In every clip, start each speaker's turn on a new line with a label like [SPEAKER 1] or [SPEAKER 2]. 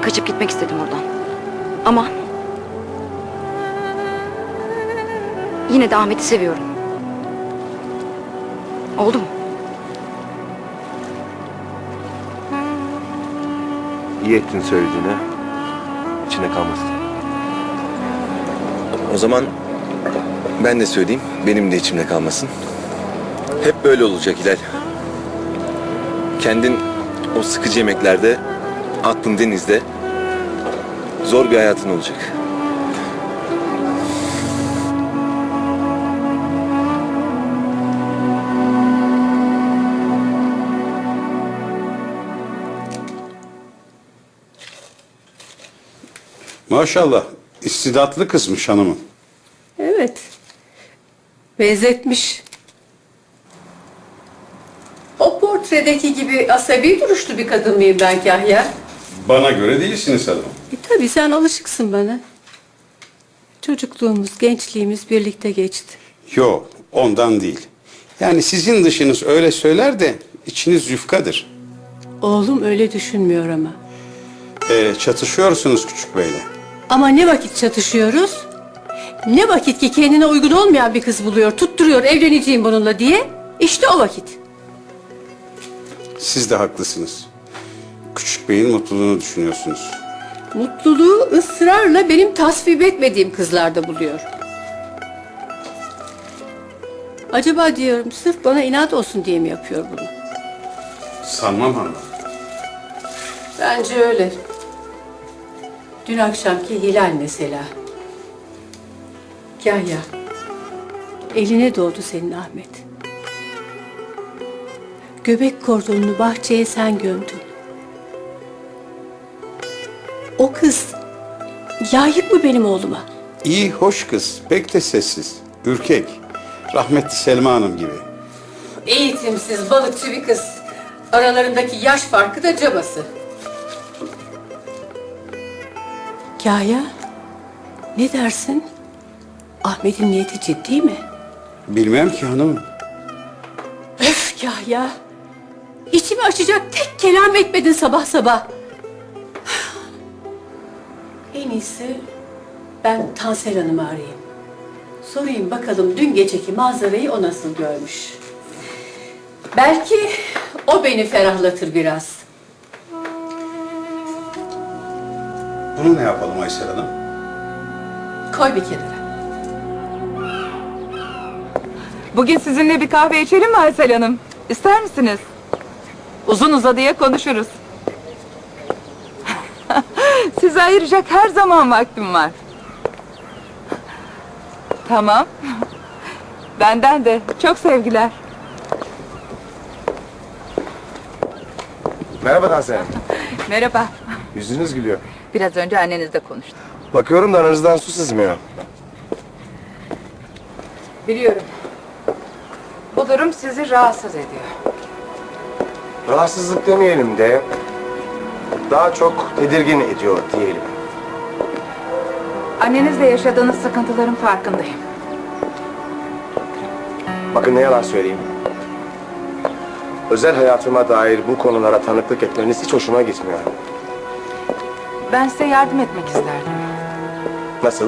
[SPEAKER 1] Kaçıp gitmek istedim oradan. Ama yine de Ahmet'i seviyorum. Oldu mu?
[SPEAKER 2] İyi ettin söylediğine. İçine kalmasın. O zaman ben de söyleyeyim. Benim de içimde kalmasın. Hep böyle olacak Hilal. Kendin o sıkıcı yemeklerde, aklın denizde. Zor bir hayatın olacak.
[SPEAKER 3] Maşallah, istidatlı kızmış hanımın.
[SPEAKER 4] Evet. Benzetmiş. O portredeki gibi asabi duruşlu bir kadın mıyım ben Kahya?
[SPEAKER 3] Bana göre değilsiniz hanım.
[SPEAKER 4] Tabii sen alışıksın bana. Çocukluğumuz, gençliğimiz birlikte geçti.
[SPEAKER 3] Yok, ondan değil. Yani sizin dışınız öyle söyler de içiniz yufkadır.
[SPEAKER 4] Oğlum öyle düşünmüyor ama.
[SPEAKER 3] Çatışıyorsunuz küçük beyle.
[SPEAKER 4] Ama ne vakit çatışıyoruz? Ne vakit ki kendine uygun olmayan bir kız buluyor, tutturuyor evleneceğim bununla diye. İşte o vakit.
[SPEAKER 3] Siz de haklısınız. Küçük beyin mutluluğunu düşünüyorsunuz.
[SPEAKER 4] Mutluluğu ısrarla benim tasvip etmediğim kızlarda buluyor. Acaba diyorum sırf bana inat olsun diye mi yapıyor bunu?
[SPEAKER 3] Sanmam hanım.
[SPEAKER 4] Bence öyle. Dün akşamki Hilal mesela. Kahya. Eline doğdu senin Ahmet. Göbek kordonunu bahçeye sen gömdün. O kız layık mı benim oğluma?
[SPEAKER 3] İyi, hoş kız. Pek de sessiz. Ürkek. Rahmetli Selma Hanım gibi.
[SPEAKER 4] Eğitimsiz balıkçı bir kız. Aralarındaki yaş farkı da cabası. Kahya, ne dersin? Ahmet'in niyeti ciddi mi?
[SPEAKER 3] Bilmem ki hanımım.
[SPEAKER 4] Öf Kahya! İçimi açacak tek kelam etmedin sabah sabah. En iyisi ben Tansel Hanım'ı arayayım. Sorayım bakalım dün geceki manzarayı o nasıl görmüş. Belki o beni ferahlatır biraz.
[SPEAKER 3] Bunu ne yapalım Aysel Hanım?
[SPEAKER 4] Koy bir kenara.
[SPEAKER 5] Bugün sizinle bir kahve içelim mi Aysel Hanım? İster misiniz? Uzun uzadıya konuşuruz. Size ayıracak her zaman vaktim var. Tamam. Benden de çok sevgiler.
[SPEAKER 2] Merhaba Tansel.
[SPEAKER 5] Merhaba.
[SPEAKER 2] Yüzünüz gülüyor.
[SPEAKER 5] Biraz önce annenizle konuştum.
[SPEAKER 2] Bakıyorum da aranızdan su sızmıyor.
[SPEAKER 5] Biliyorum. Bu durum sizi rahatsız ediyor.
[SPEAKER 2] Rahatsızlık demeyelim de daha çok tedirgin ediyor diyelim.
[SPEAKER 5] Annenizle yaşadığınız sıkıntıların farkındayım.
[SPEAKER 2] Bakın ne yalan söyleyeyim. Özel hayatıma dair bu konulara tanıklık etmeniz hiç hoşuma gitmiyor.
[SPEAKER 5] Ben size yardım etmek isterdim.
[SPEAKER 2] Nasıl?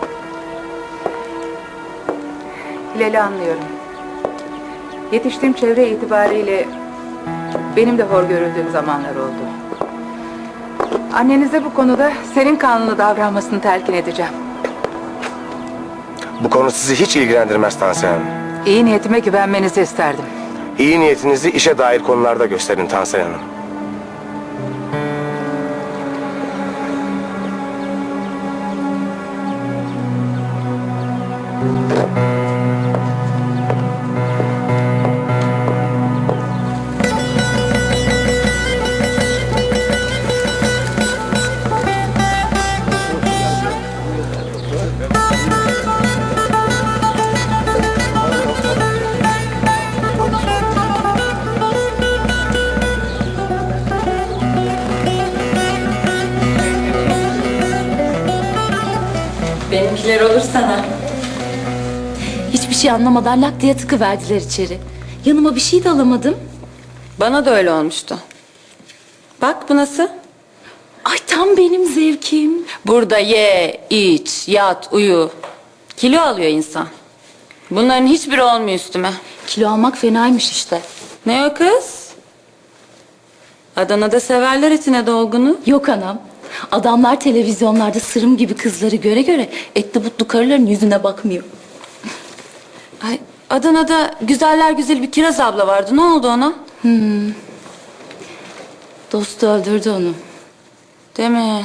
[SPEAKER 5] Hilal'i anlıyorum. Yetiştiğim çevre itibariyle benim de hor görüldüğüm zamanlar oldu. Annenize bu konuda serin kanlı davranmasını telkin edeceğim.
[SPEAKER 2] Bu konu sizi hiç ilgilendirmez Tansel Hanım.
[SPEAKER 5] İyi niyetime güvenmenizi isterdim.
[SPEAKER 2] İyi niyetinizi işe dair konularda gösterin Tansel Hanım.
[SPEAKER 4] Benimkiler olur sana.
[SPEAKER 6] Hiçbir şey anlamadan lak diye tıkıverdiler içeri. Yanıma bir şey de alamadım.
[SPEAKER 4] Bana da öyle olmuştu. Bak bu nasıl?
[SPEAKER 6] Ay Tam benim zevkim.
[SPEAKER 7] Burada ye, iç, yat, uyu. Kilo alıyor insan. Bunların hiçbiri olmuyor üstüme.
[SPEAKER 6] Kilo almak fenaymış işte.
[SPEAKER 7] Ne o kız? Adana'da severler etine dolgunu.
[SPEAKER 6] Yok anam. Adamlar televizyonlarda sırım gibi kızları göre göre etli butlu karıların yüzüne bakmıyor.
[SPEAKER 7] Ay, Adana'da güzeller güzeli bir Kiraz abla vardı. Ne oldu ona?
[SPEAKER 6] Dostu öldürdü onu.
[SPEAKER 7] Değil mi?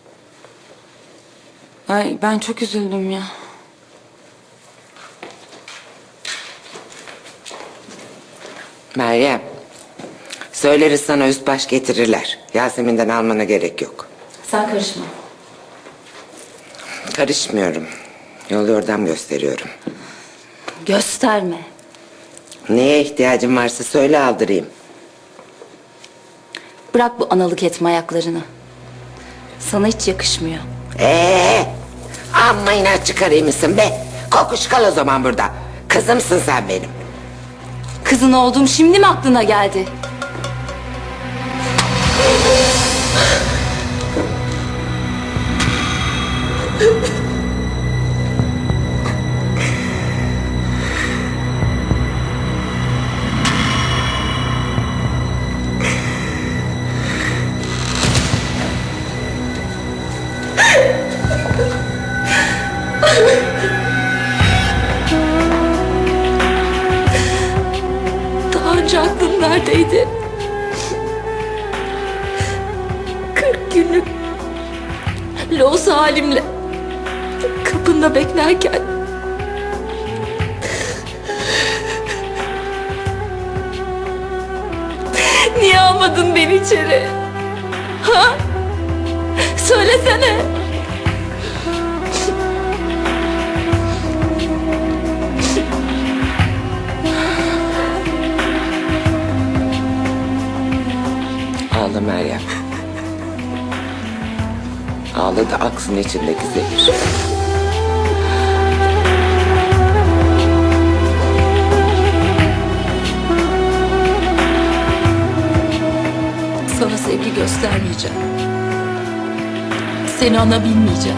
[SPEAKER 7] Ay ben çok üzüldüm ya.
[SPEAKER 8] Meryem, söyleriz sana üst baş getirirler. Yasemin'den almana gerek yok.
[SPEAKER 6] Sen karışma.
[SPEAKER 8] Karışmıyorum. Yol yordam gösteriyorum.
[SPEAKER 6] Gösterme.
[SPEAKER 8] Neye ihtiyacın varsa söyle aldırayım.
[SPEAKER 6] Bırak bu analık etme ayaklarını. Sana hiç yakışmıyor.
[SPEAKER 8] Amma inat çıkarayım mısın be? Kokuş kal o zaman burada. Kızımsın sen benim.
[SPEAKER 6] Kızın olduğum şimdi mi aklına geldi? Daha önce aklın neredeydi? 40 günlük loğusa halimle kapında beklerken niye almadın beni içeri? Ha? Söylesene.
[SPEAKER 8] Ağla Meryem. Ağla da aksın içindeki zehir.
[SPEAKER 6] Sana sevgi göstermeyeceğim. Seni ana bilmeyeceğim.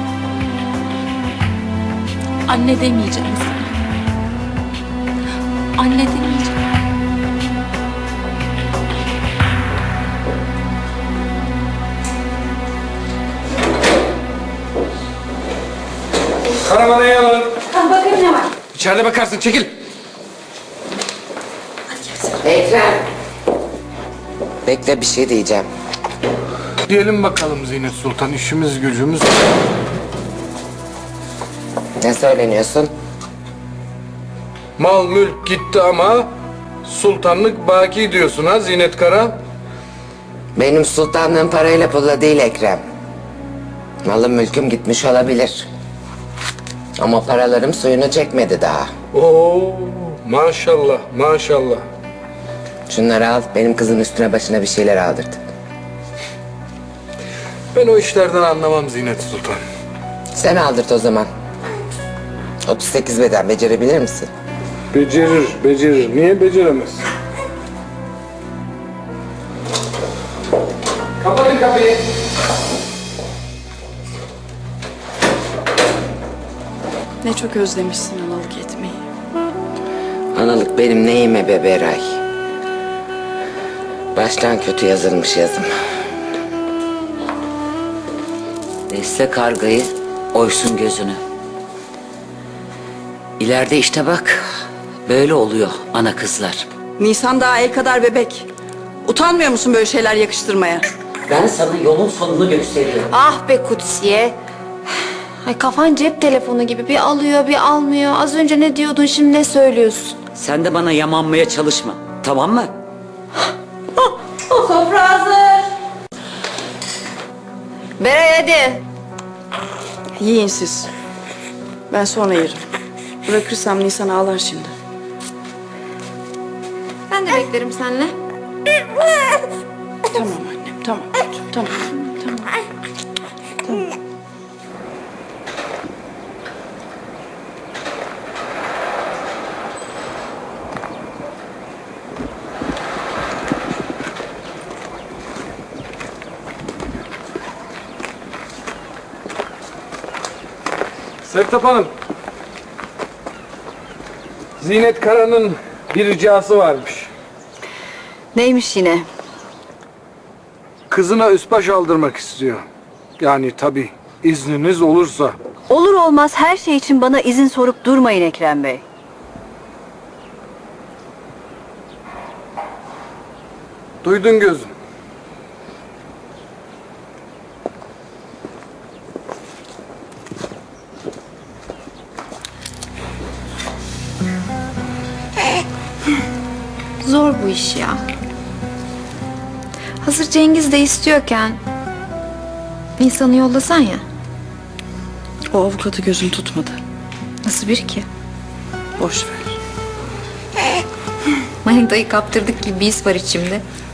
[SPEAKER 6] Anne demeyeceğim sana. Anne demeyeceğim.
[SPEAKER 3] Karavanayı alalım.
[SPEAKER 1] Bakayım ne var?
[SPEAKER 3] İçeride bakarsın, çekil.
[SPEAKER 8] Ekrem. Bekle bir şey diyeceğim.
[SPEAKER 9] Diyelim bakalım Zinet Sultan, işimiz gücümüz.
[SPEAKER 8] Ne söyleniyorsun?
[SPEAKER 9] Mal mülk gitti ama sultanlık baki diyorsun ha Zinet Kara?
[SPEAKER 8] Benim sultanlığım parayla pulla değil Ekrem. Malım mülküm gitmiş olabilir. Ama paralarım suyunu çekmedi daha.
[SPEAKER 9] Oo, maşallah maşallah.
[SPEAKER 8] Şunları al, benim kızın üstüne başına bir şeyler aldırdı.
[SPEAKER 9] Ben o işlerden anlamam Zinet Sultan.
[SPEAKER 8] Sen aldırt o zaman. 38 beden becerebilir misin?
[SPEAKER 9] Becerir. Niye beceremez?
[SPEAKER 3] Kapatın kapıyı.
[SPEAKER 1] Ne çok özlemişsin analık etmeyi.
[SPEAKER 8] Analık benim neyime be Beray? Baştan kötü yazılmış yazım.
[SPEAKER 10] Besle kargayı, oysun gözünü. İleride işte bak, böyle oluyor ana kızlar.
[SPEAKER 1] Nisan daha el kadar bebek. Utanmıyor musun böyle şeyler yakıştırmaya?
[SPEAKER 10] Ben sana yolun sonunu gösteriyorum.
[SPEAKER 11] Ah be Kutsiye. Ay kafan cep telefonu gibi bir alıyor bir almıyor. Az önce ne diyordun şimdi ne söylüyorsun?
[SPEAKER 10] Sen de bana yamanmaya çalışma, tamam mı?
[SPEAKER 11] Sofra hazır. Beray hadi.
[SPEAKER 1] Yiyin siz. Ben sonra yerim. Bırakırsam Nisan ağlar şimdi.
[SPEAKER 11] Ben de beklerim seninle.
[SPEAKER 1] Tamam annem, tamam. Tamam.
[SPEAKER 9] Sertap Hanım. Zinet Kara'nın bir ricası varmış.
[SPEAKER 1] Neymiş yine?
[SPEAKER 9] Kızına üsbaş aldırmak istiyor. Yani tabii izniniz olursa.
[SPEAKER 1] Olur olmaz her şey için bana izin sorup durmayın Ekrem Bey.
[SPEAKER 9] Duydun gözüm.
[SPEAKER 11] Zor bu iş ya. Hazır Cengiz de istiyorken Nisan'ı yollasan ya.
[SPEAKER 1] O avukatı gözüm tutmadı.
[SPEAKER 11] Nasıl biri ki?
[SPEAKER 1] Boş ver.
[SPEAKER 11] Manitayı kaptırdık gibi bir his var içimde.